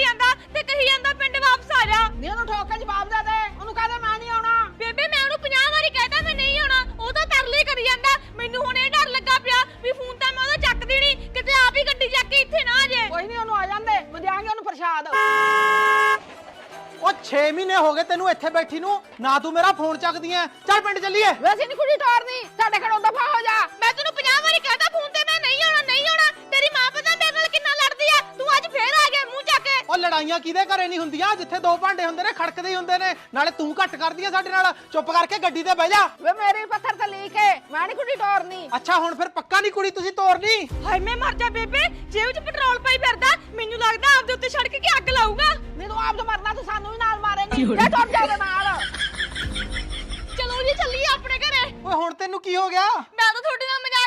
ਜਾਂਦਾ ਤੇ ਕਹੀ ਜਾਂਦਾ ਪਿੰਡ ਵਾਪਸ ਆ ਜਾ। ਨੀ ਉਹਨੂੰ ਠੋਕ ਕੇ ਜਵਾਬ ਦੇ ਦੇ, ਉਹਨੂੰ ਕਹਦੇ ਮੈਂ ਨਹੀਂ ਆਉਣਾ। ਬੇਬੇ ਮੈਂ ਉਹਨੂੰ 50 ਵਾਰੀ ਕਹਿਤਾ ਮੈਂ ਨਹੀਂ ਆਉਣਾ, ਉਹ ਤਾਂ ਤਰਲੇ ਕਰੀ ਜਾਂਦਾ। ਮੈਨੂੰ ਹੁਣ ਇਹ ਡਰ ਲੱਗਾ ਪਿਆ ਵੀ ਫੋਨ ਤਾਂ ਮੈਂ ਉਹਦਾ ਚੱਕਦੀ ਨਹੀਂ, ਕਿਤੇ ਆਪ ਹੀ ਗੱਡੀ ਚੱਕ ਕੇ ਇੱਥੇ ਨਾ ਆ ਜੇ। ਕੋਈ ਨਹੀਂ ਉਹਨੂੰ ਆ ਜਾਂਦੇ, ਮੈਂ ਦਿਆਂਗੇ ਉਹਨੂੰ ਪ੍ਰਸ਼ਾਦ। ਉਹ 6 ਮਹੀਨੇ ਹੋ ਗਏ ਤੈਨੂੰ ਇੱਥੇ ਬੈਠੀ ਨੂੰ, ਨਾ ਤੂੰ ਮੇਰਾ ਫੋਨ ਚੱਕਦੀ ਐ। ਚੱਲ ਪਿੰਡ ਚੱਲੀਏ। ਵੈਸੇ ਨਹੀਂ ਕੁੜੀ ਟੋਰਨੀ, ਸਾਡੇ ਘਰੋਂ ਦਫਾ ਹੋ ਜਾ। ਮੈਂ ਤੈਨੂੰ 50 ਵਾਰੀ ਕਹਿਤਾ ਫੋਨ ਤੇ ਮੈਂ ਨਹੀਂ ਆਉਣਾ ਨਹੀਂ ਆਉਣਾ। ਤੇਰੀ ਮਾਂ ਪਤਾ ਮੇਰੇ ਨਾਲ ਕਿੰਨਾ ਲੜਦੀ ਆ, ਤੂੰ ਅੱਜ ਫੇਰ ਆ ਗਿਆ ਮੂੰਹ ਚੱਕ ਕੇ। ਉਹ ਲੜਾਈਆਂ ਕਿਹਦੇ ਘਰੇ ਨਹੀਂ ਹੁੰਦੀਆਂ, ਜਿੱਥੇ ਦੋ ਭਾਂਡੇ ਹੁੰਦੇ ਨੇ ਖੜਕਦੇ ਹੀ ਹੁੰਦੇ ਨੇ। ਨਾਲੇ ਤੂੰ ਘੱਟ ਕਰਦੀ ਐ ਸਾਡੇ ਨਾਲ, ਚੁੱਪ ਕਰਕੇ ਗੱਡੀ ਤੇ ਬਹਿ ਜਾ। ਵੇ ਮੇਰੇ ਪੱਥਰ ਤੇ ਲੀਕ ਹੈ, ਮੈਂ ਨਹੀਂ ਕੁੜੀ ਟੋਰਨੀ। ਅੱਛਾ ਹੁਣ ਫਿਰ ਪੱਕਾ ਨਹੀਂ ਕੁੜੀ ਤੁਸੀਂ ਤੋਰਨੀ। ਹਾਏ ਮੈਂ ਮਰ ਜਾ ਬੇਬੇ, ਜੇਬ 'ਚ ਪੈਟਰੋਲ ਪਾਈ ਫਿਰਦਾ, ਮੈਨੂੰ ਲੱਗਦਾ ਆਪਦੇ ਉੱਤੇ ਸੜਕ ਕੇ ਅੱਗ ਲਾਊਗਾ। ਨਹੀਂ ਤੂੰ ਆਪ ਤੋਂ ਮਰਨਾ, ਤੂੰ ਸਾਨੂੰ ਵੀ ਨਾਲ ਮਾਰੇਂਗੀ। ਇਹ ਟੁੱਟ ਜਾ ਉਹਦੇ ਨਾਲ। ਚਲੋ ਜੀ ਚੱਲੀਏ ਆਪਣੇ ਘਰੇ। ਓਏ ਹੁਣ ਤੈਨੂੰ ਕੀ ਹੋ ਗਿਆ? ਮੈਂ ਤਾਂ ਤੁਹਾਡੇ ਨਾਲ